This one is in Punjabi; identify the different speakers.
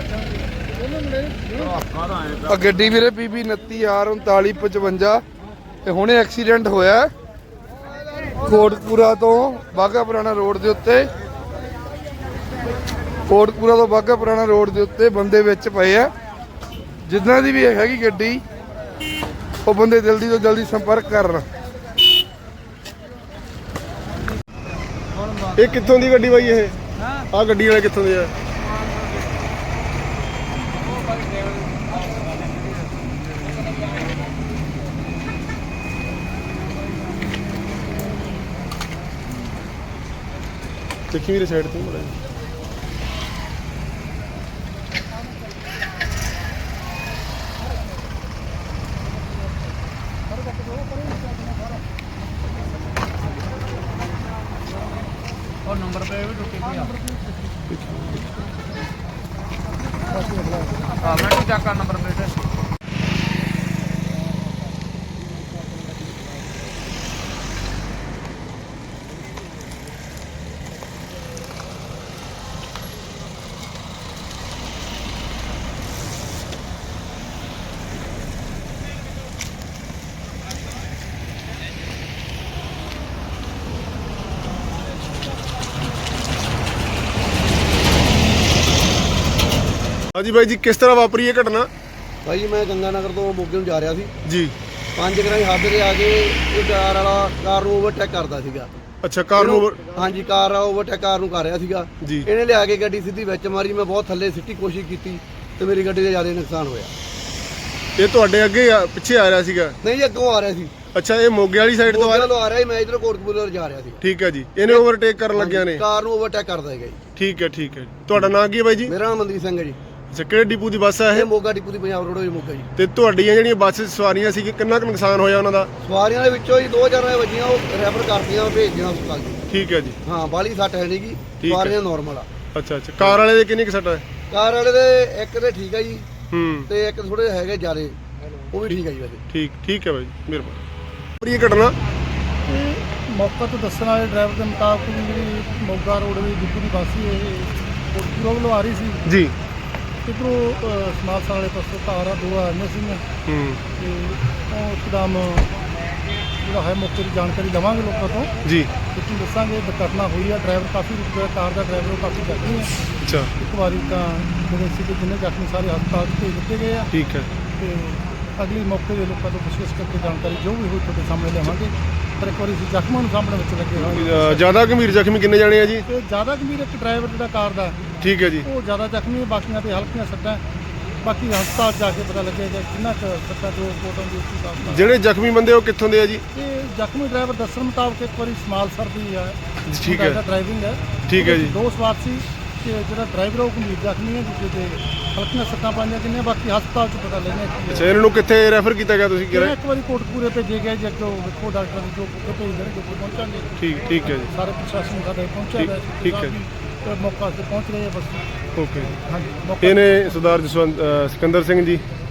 Speaker 1: ਆ ਗੱਡੀ ਵੀਰੇ PB 29R3955 ਤੇ ਹੁਣੇ ਐਕਸੀਡੈਂਟ ਹੋਇਆ ਕੋਟਕਪੂਰਾ ਤੋਂ ਬਾਘਾ ਪੁਰਾਣਾ ਰੋਡ ਦੇ ਉੱਤੇ। ਕੋਟਕਪੂਰਾ ਤੋਂ ਬਾਘਾ ਪੁਰਾਣਾ ਰੋਡ ਦੇ ਉੱਤੇ ਬੰਦੇ ਵਿੱਚ ਪਏ ਆ। ਜਿੱਦਾਂ ਦੀ ਵੀ ਹੈਗੀ ਗੱਡੀ ਉਹ ਬੰਦੇ ਜਲਦੀ ਤੋਂ ਜਲਦੀ ਸੰਪਰਕ ਕਰਨ।
Speaker 2: ਇਹ ਕਿੱਥੋਂ ਦੀ ਗੱਡੀ ਬਾਈ? ਇਹ ਆ ਗੱਡੀ ਵਾਲੇ ਕਿੱਥੋਂ ਦੇ ਆ? ਦੇਖੀ ਵੀਰੇ ਸਾਈਡ ਤੋਂ ਬੜਾ
Speaker 3: और नंबर पे भी रुके भी हाँ मैं तो चेक कर नंबर प्लेट
Speaker 2: ਹਾਂਜੀ ਬਾਈ ਜੀ, ਕਿਸ ਤਰ੍ਹਾਂ ਵਾਪਰੀ ਇਹ ਘਟਨਾ?
Speaker 4: ਭਾਈ ਮੈਂ ਗੰਗਾ ਨਗਰ ਤੋਂ ਮੋਗੇ ਨੂੰ ਜਾ ਰਿਹਾ ਸੀ
Speaker 2: ਜੀ।
Speaker 4: 5 ਗਰਾਈ ਹੱਦ ਤੇ ਆ ਕੇ ਇਹ ਕਾਰ ਵਾਲਾ ਕਾਰ ਨੂੰ ਓਵਰਟੇਕ ਕਰਦਾ ਸੀਗਾ।
Speaker 2: ਅੱਛਾ, ਕਾਰ ਨੂੰ
Speaker 4: ਹਾਂਜੀ, ਕਾਰ ਵਾਲਾ ਓਵਰਟੇਕ ਕਾਰ ਨੂੰ ਕਰ ਰਿਹਾ ਸੀਗਾ
Speaker 2: ਜੀ।
Speaker 4: ਇਹਨੇ ਲਿਆ ਕੇ ਗੱਡੀ ਸਿੱਧੀ ਵਿੱਚ ਮਾਰੀ। ਮੈਂ ਬਹੁਤ ਥੱਲੇ ਸਿੱਟੀ ਕੋਸ਼ਿਸ਼ ਕੀਤੀ ਤੇ ਮੇਰੀ ਗੱਡੀ ਦਾ ਜ਼ਿਆਦਾ ਨੁਕਸਾਨ ਹੋਇਆ।
Speaker 2: ਇਹ ਤੁਹਾਡੇ ਅੱਗੇ ਪਿੱਛੇ ਆ ਰਿਹਾ ਸੀਗਾ?
Speaker 4: ਨਹੀਂ, ਅੱਗੋਂ ਆ ਰਿਹਾ ਸੀ।
Speaker 2: ਅੱਛਾ, ਇਹ ਮੋਗੇ ਵਾਲੀ ਸਾਈਡ ਤੋਂ
Speaker 4: ਆ ਰਿਹਾ ਸੀ। ਮੈਂ ਇਧਰ ਕੋਟਕਪੂਰੇ ਵੱਲ ਜਾ ਰਿਹਾ ਸੀ।
Speaker 2: ਠੀਕ ਹੈ ਜੀ। ਇਹਨੇ ਓਵਰਟੇਕ ਕਰਨ ਲੱਗਿਆ ਨੇ
Speaker 4: ਕਾਰ ਨੂੰ ਓਵਰਟੇਕ ਕਰਦਾ ਹੈਗਾ ਜੀ।
Speaker 2: ਠੀਕ ਹੈ, ਠੀਕ ਹੈ। ਤੁਹਾਡਾ ਨਾਮ ਕੀ ਹੈ ਬਾਈ ਜੀ?
Speaker 4: ਮੇਰਾ ਨਾਮ ਮਨਦੀਪ ਸਿੰਘ ਹੈ ਜੀ।
Speaker 2: ਅੱਛਾ, ਕਿਹੜੇ ਡਿਪੂ ਦੀ ਬੱਸ ਹੈ
Speaker 4: ਇਹ
Speaker 2: ਇਹ?
Speaker 4: ਮੋਗਾ ਡਿਪੂ ਦੀ ਪੰਜਾਬ ਰੋਡ ਹੋਈ ਮੋਗਾ ਜੀ।
Speaker 2: ਤੇ ਤੁਹਾਡੀਆਂ ਜਿਹੜੀਆਂ ਬੱਸ ਸਵਾਰੀਆਂ ਸੀ ਕਿੰਨਾ ਕੁ ਨੁਕਸਾਨ ਹੋਇਆ ਉਹਨਾਂ ਦਾ?
Speaker 4: ਸਵਾਰੀਆਂ ਦੇ ਵਿੱਚੋਂ ਹੀ 2 ਜਣੇ ਵੱਜੀਆਂ, ਉਹ ਰੈਫਰ ਕਰਤੀਆਂ, ਭੇਜਦੀਆਂ ਹਸਪਤਾਲ ਜੀ।
Speaker 2: ਠੀਕ ਹੈ ਜੀ।
Speaker 4: ਹਾਂ, ਬਾਲੀ ਸੱਟ ਹੈ ਨਹੀਂ ਗੀ, ਸਵਾਰੀਆਂ ਨਾਰਮਲ ਆ।
Speaker 2: ਅੱਛਾ ਅੱਛਾ, ਕਾਰ ਵਾਲੇ ਦੇ ਕਿੰਨੀ ਕੁ ਸੱਟ ਹੈ?
Speaker 4: ਕਾਰ ਵਾਲੇ ਦੇ ਇੱਕ ਤੇ ਠੀਕ ਹੈ ਜੀ,
Speaker 2: ਹੂੰ,
Speaker 4: ਤੇ ਇੱਕ ਥੋੜੇ ਹੈਗੇ ਜ਼ਿਆਦੇ, ਉਹ ਵੀ ਠੀਕ ਹੈ ਜੀ ਵੈਸੇ।
Speaker 2: ਠੀਕ ਹੈ ਬਾਈ, ਮਿਹਰਬਾਨੀ। ਇਹ ਘਟਨਾ
Speaker 5: ਮੌਕਾ ਤੋਂ ਦੱਸਣ ਵਾਲੇ ਡਰਾਈਵਰ ਦੇ ਮੁਤਾਬਕ ਵੀ ਜਿਹੜੀ ਮੋਗਾ ਰੋਡ ਦੀ ਡਿਪੂ ਦੀ ਬੱਸ ਸੀ ਇਹ ਕੋਟਕਪੂਰਾ ਵੱਲੋਂ ਆ ਰਹੀ ਸੀ
Speaker 2: ਜੀ।
Speaker 5: ਇੱਧਰੋਂ ਸਮਾਲਸਾ ਵਾਲੇ ਪਾਸੋਂ ਕਾਰਾਂ 2 ਆ ਰਹੀਆਂ ਸੀਗੀਆਂ
Speaker 2: ਹੂੰ
Speaker 5: ਤੇ ਉਹ ਇੱਕਦਮ ਜਿਹੜਾ ਹੈ ਮੌਕੇ ਦੀ ਜਾਣਕਾਰੀ ਲਵਾਂਗੇ ਲੋਕਾਂ ਤੋਂ
Speaker 2: ਜੀ।
Speaker 5: ਤੁਸੀਂ ਦੱਸਾਂਗੇ ਦੁਰਘਟਨਾ ਹੋਈ ਆ। ਡਰਾਈਵਰ ਕਾਫੀ ਰੁਕ ਗਿਆ, ਕਾਰ ਦਾ ਡਰਾਈਵਰ ਉਹ ਕਾਫੀ ਜ਼ਖਮੀ ਹੈ।
Speaker 2: ਅੱਛਾ,
Speaker 5: ਇੱਕ ਵਾਰੀ ਤਾਂ ਜਿਹੜੇ ਸੀ ਜਿੰਨੇ ਜ਼ਖਮੀ ਸਾਰੇ ਹਸਪਤਾਲ 'ਚ ਭੇਜ ਦਿੱਤੇ ਗਏ ਆ
Speaker 2: ਠੀਕ ਹੈ।
Speaker 5: ਤੇ ਅਗਲੀ ਮੌਕੇ ਦੇ ਲੋਕਾਂ ਤੋਂ ਪੁੱਛਗਿੱਛ ਕਰਕੇ ਜਾਣਕਾਰੀ ਜੋ ਵੀ ਹੋਈ ਤੁਹਾਡੇ ਸਾਹਮਣੇ ਲਿਆਵਾਂਗੇ। ਪਰ ਇੱਕ ਵਾਰੀ ਅਸੀਂ ਜ਼ਖਮਾਂ ਨੂੰ ਸਾਹਮਣੇ ਵਿੱਚ ਲੱਗੇ ਹੋਏ।
Speaker 2: ਜ਼ਿਆਦਾ ਗੰਭੀਰ ਜ਼ਖਮੀ ਕਿੰਨੇ ਜਾਣੇ ਆ ਜੀ?
Speaker 5: ਤੇ ਜ਼ਿਆਦਾ ਗੰਭੀਰ ਇੱਕ ਡਰਾਈਵਰ ਜਿਹੜਾ ਕਾਰ ਦਾ,
Speaker 2: ਠੀਕ ਹੈ ਜੀ।
Speaker 5: ਉਹ ਜ਼ਿਆਦਾ ਜ਼ਖਮੀ ਹੈ, ਬਾਕੀਆਂ ਤੇ ਹਲਕੀਆਂ ਸੱਟਾਂ। ਬਾਕੀ ਹਸਪਤਾਲ ਜਾ ਕੇ ਪਤਾ ਲੱਗੇਗਾ ਕਿੰਨਾ ਕੁ ਸੱਟਾਂ ਜੋ ਕੋਟਾਂ ਦੀ ਉਸ ਹਿਸਾਬ ਨਾਲ।
Speaker 2: ਜਿਹੜੇ ਜ਼ਖਮੀ ਬੰਦੇ ਉਹ ਕਿੱਥੋਂ ਦੇ ਆ ਜੀ?
Speaker 5: ਤੇ ਜ਼ਖਮੀ ਡਰਾਈਵਰ ਦੱਸਣ ਮੁਤਾਬਕ ਇੱਕ ਵਾਰੀ ਸਮਾਲਸਰ ਦੀ ਹੈ,
Speaker 2: ਠੀਕ ਹੈ,
Speaker 5: ਡਰਾਈਵਿੰਗ ਹੈ।
Speaker 2: ਠੀਕ ਹੈ ਜੀ।
Speaker 5: 2 ਸਵਾਰ ਸੀ ਤੇ ਜਿਹੜਾ ਡਰਾਈਵਰ ਉਹ ਗੰਭੀਰ ਜ਼ਖਮੀ ਹੈ, ਦੂਜੇ ਤੇ ਹਲਕੀਆਂ ਸੱਟਾਂ ਪਾਈਆਂ ਕਿੰਨੀਆਂ। ਬਾਕੀ ਹਸਪਤਾਲ 'ਚ ਪਤਾ ਲੱਗਣਾ ਕੀ
Speaker 2: ਅੱਛਾ,
Speaker 5: ਹੈ।
Speaker 2: ਇਹਨਾਂ ਨੂੰ ਕਿੱਥੇ ਰੈਫਰ ਕੀਤਾ ਗਿਆ ਤੁਸੀਂ ਕਿਹਾ?
Speaker 5: ਇੱਕ ਵਾਰੀ ਕੋਟਕਪੂਰੇ ਭੇਜੇ ਗਏ ਜੀ, ਅੱਗੋਂ ਵੇਖੋ ਡਾਕਟਰ ਜੋ ਭੇਜ ਦੇਣਗੇ ਪਹੁੰਚਾਂਗੇ।
Speaker 2: ਠੀਕ ਹੈ ਜੀ।
Speaker 5: ਸਾਰੇ ਪ੍ਰਸ਼ਾਸਨ ਸਾਡੇ ਪਹੁੰਚਿਆ ਹੋਇਆ ਸੀ।
Speaker 2: ਠੀਕ ਹੈ ਜੀ।
Speaker 5: ਮੌਕਾ ਤੇ ਪਹੁੰਚ ਰਹੇ ਆ ਬਸ।
Speaker 2: ਓਕੇ।
Speaker 5: ਹਾਂਜੀ,
Speaker 2: ਇਹਨੇ ਸਰਦਾਰ ਜਸਵੰਤ ਸਿਕੰਦਰ ਸਿੰਘ ਜੀ